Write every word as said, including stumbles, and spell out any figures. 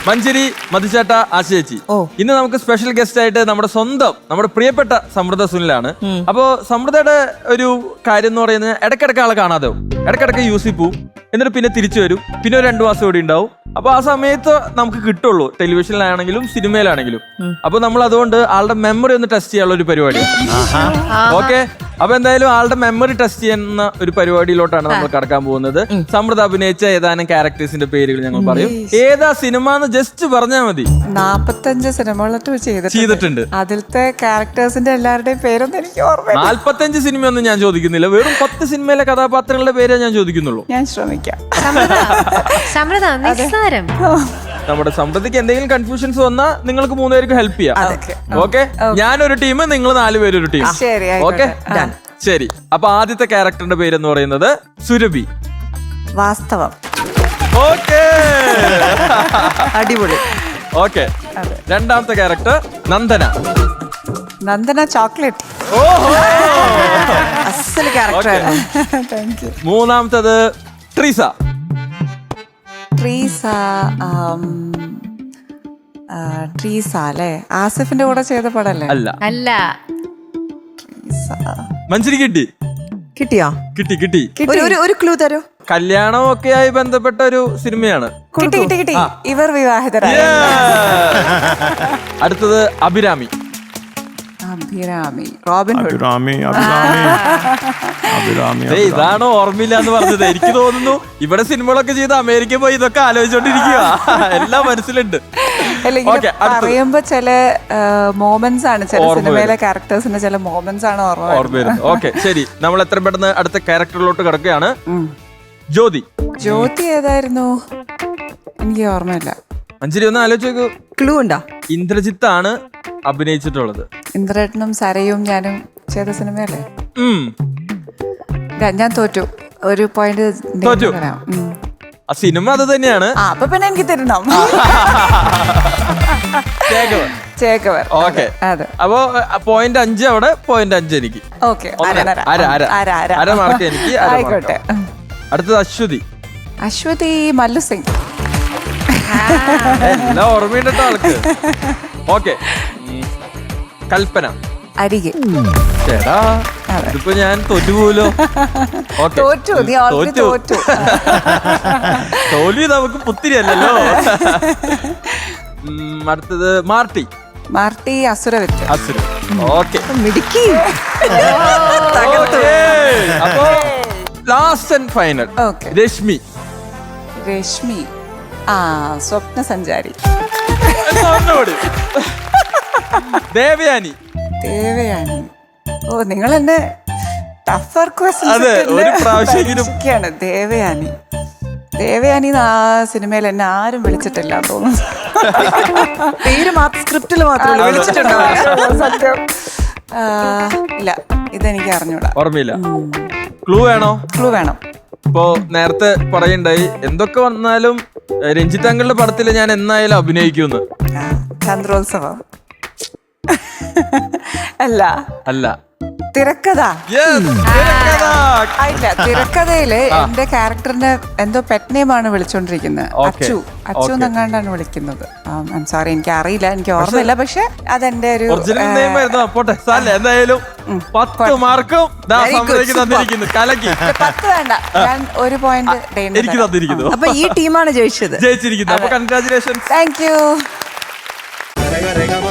മഞ്ചേരി മധുചേട്ട ആശയേച്ചി. ഇന്ന് നമുക്ക് special guest ആയിട്ട് നമ്മുടെ സ്വന്തം നമ്മുടെ പ്രിയപ്പെട്ട സമൃദ്ധ സുനിലാണ്. അപ്പോ സമൃദ്ധയുടെ ഒരു കാര്യം എന്ന് പറയുന്നത് ഇടയ്ക്കിടയ്ക്ക് ആളെ കാണാതെ ഇടയ്ക്കിടയ്ക്ക് യൂസിൽ പോവും, എന്നിട്ട് പിന്നെ തിരിച്ചു വരും, പിന്നെ ഒരു രണ്ടു മാസം ഇവിടെ ഉണ്ടാവും. അപ്പൊ ആ സമയത്ത് നമുക്ക് കിട്ടുള്ളൂ, ടെലിവിഷനിലാണെങ്കിലും സിനിമയിലാണെങ്കിലും. അപ്പൊ നമ്മൾ അതുകൊണ്ട് ആളുടെ മെമ്മറി ഒന്ന് ടെസ്റ്റ് ചെയ്യാനുള്ള ഒരു പരിപാടി. ഓക്കെ, അപ്പൊ എന്തായാലും ആളുടെ മെമ്മറി ടെസ്റ്റ് ചെയ്യുന്ന ഒരു പരിപാടിയിലോട്ടാണ് നമ്മൾ കടക്കാൻ പോകുന്നത്. സമൃദ്ധ അഭിനയിച്ച ഏതാനും ക്യാരക്ടേഴ്സിന്റെ പേരുകൾ ഞങ്ങൾ പറയും. ഏതാ സിനിമ എന്ന് ജസ്റ്റ് പറഞ്ഞാൽ മതി. നാപ്പത്തഞ്ച് സിനിമകളൊക്കെ ചെയ്തിട്ടുണ്ട്. അതിലത്തെ ക്യാരക്ടേഴ്സിന്റെ എല്ലാവരുടെയും പേരൊന്നും എനിക്ക് ഓർമ്മ. നാല്പത്തഞ്ച് സിനിമയൊന്നും ഞാൻ ചോദിക്കുന്നില്ല, വെറും പത്ത് സിനിമയിലെ കഥാപാത്രങ്ങളുടെ പേരേ ഞാൻ ചോദിക്കുന്നുള്ളൂ. ഞാൻ ശ്രമിക്കാം. നമ്മുടെ സമൃദ്ധിക്ക് എന്തെങ്കിലും കൺഫ്യൂഷൻസ് വന്നാൽ നിങ്ങൾക്ക് മൂന്നുപേർക്ക് ഹെൽപ്പ് ചെയ്യാം. ഓക്കെ, ഞാനൊരു ടീം, നിങ്ങൾ നാലുപേരും ഒരു ടീം. ഓക്കെ, ശരി. അപ്പൊ ആദ്യത്തെ ക്യാരക്ടറിന്റെ പേരെന്ന് പറയുന്നത് സുരഭി. വാസ്തവം. ഓക്കെ, അടിപൊളി. ഓക്കെ, രണ്ടാമത്തെ ക്യാരക്ടർ നന്ദന. നന്ദന ചോക്ലേറ്റ്. ഓഹോ, അസല് ക്യാരക്ടറായിരുന്നു. Thank you. മൂന്നാമത്തത് ട്രീസ. ട്രീസ ട്രീസ അല്ലേ? ആസിഫിന്റെ കൂടെ ചെയ്ത പടല്ലേ? അല്ല അല്ല. മഞ്ചേരി കിട്ടി. കിട്ടിയോ? കിട്ടി കിട്ടി. ഒരു ക്ലൂ തരൂ. കല്യാണം ഒക്കെ ആയി ബന്ധപ്പെട്ട ഒരു സിനിമയാണ്. കിട്ടി കിട്ടി കിട്ടി. ഇവർ വിവാഹിതരായ. അടുത്തത് അഭിരാമി. അഭിരാമി. Robin Hood. അഭിരാമി അഭിരാമി അഭിരാമി. ഇതാണോ ഓർമ്മയില്ല എന്ന് പറഞ്ഞത്? എനിക്ക് തോന്നുന്നു ഇവിടെ സിനിമകളൊക്കെ ചെയ്ത് അമേരിക്ക പോയി ഇതൊക്കെ ആലോചിച്ചോണ്ടിരിക്കുക. എല്ലാം മനസ്സിലുണ്ട്. പറയുമ്പോ ചില മോമെന്റ്സ് ആണ്, ചില സിനിമയിലെ ക്യാരക്ടേഴ്സിന്റെ ചില മോമെന്റ്സ് ആണ് ഓർമ്മ വരുന്നത്. ഓക്കെ, ശരി. നമ്മൾ എത്ര പെട്ടെന്ന് അടുത്ത ക്യാരക്ടറിലോട്ട് കിടക്കുകയാണ്. ജ്യോതി. ജ്യോതി ഏതായിരുന്നു? എനിക്ക് ഓർമ്മയില്ല. മഞ്ചേരി ഒന്ന് ആലോചിച്ചു. ക്ലൂ ഉണ്ടോ? ഇന്ദ്രജിത്ത് ആണ് അഭിനയിച്ചിട്ടുള്ളത്. ഇന്ദ്രേട്ടനും സരയും ഞാനും ചെയ്ത സിനിമയല്ലേ? ഉം ഞാൻ തോറ്റു. ഒരു പോയിന്റ് തോറ്റു. ആ സിനിമ അത് തന്നെയാണ്. അപ്പൊ പിന്നെ എനിക്ക് തരണം. ഓക്കെ, അപ്പൊ പോയിന്റ് അഞ്ച് അവിടെ, പോയിന്റ് അഞ്ച് എനിക്ക്. അര മാർക്ക് എനിക്ക്. ആയിക്കോട്ടെ. അടുത്തത് അശ്വതി. അശ്വതി മല്ലു സിംഗ്. എല്ലാം ഓർമ്മയുണ്ടോ ആൾക്ക്? ഓക്കെ, കൽപ്പന. അരികെ. ചേട്ടാ, ഇതിപ്പോ ഞാൻ തോറ്റുപോലോ. തോറ്റു. തോറ്റു. തോൽവി നമുക്ക് പുത്തിരിയല്ലോ. അടുത്തത് മാർട്ടി. മാർട്ടി അസുരവിത്ത്. അസുര. ഓക്കെ, മിടുക്കി. അപ്പോ last and final Rashmi. Rashmi ആ സ്വപ്ന സഞ്ചാരി. ദേവയാനി. ദേവയാനി. ഓ, നിങ്ങൾ എന്നെ ടഫർ ക്വസ്റ്റ്യൻസ്. ദേവയാനി. ദേവയാനി ആ സിനിമയിൽ എന്നെ ആരും വിളിച്ചിട്ടില്ല തോന്നുന്നു. പേര് മാത്രം, സ്ക്രിപ്റ്റിൽ മാത്രമല്ല വിളിച്ചിട്ടുണ്ടോ? സത്യം ഇല്ല, ഇതെനിക്ക് അറിഞ്ഞൂടാ. ഓർമ്മയില്ല. ക്ലൂ വേണോ? ക്ലൂ വേണം. ഇപ്പോ നേരത്തെ പറയണ്ടായി എന്തൊക്കെ വന്നാലും രഞ്ജിത്ത് അങ്കിളുടെ പടത്തില് ഞാൻ എന്നായാലും അഭിനയിക്കുന്നു. ചന്ദ്രോത്സവം അല്ല. അല്ല. തിരക്കഥ. ഇല്ല, തിരക്കഥയില് എന്റെ ക്യാരക്ടറിന്റെ എന്തോ പെറ്റ് നെയിം ആണ് വിളിച്ചോണ്ടിരിക്കുന്നത്. അച്ചു. അച്ചു എന്നങ്ങാണ്ടാണ് വിളിക്കുന്നത്. സോറി, എനിക്ക് അറിയില്ല, എനിക്ക് ഓർമ്മയില്ല. പക്ഷെ അതെന്റെ ഒരു എന്തായാലും പത്ത് മാർക്കും തന്നിരിക്കുന്നു. കലക്കി. പത്ത് വേണ്ട, ഞാൻ ഒരു പോയിന്റ് എനിക്ക് തന്നിരിക്കുന്നു. അപ്പൊ ഈ ടീമാണ് ജയിച്ചത്, ജയിച്ചിരിക്കുന്നത്. അപ്പൊ കൺഗ്രാചുലേഷൻ. Thank you.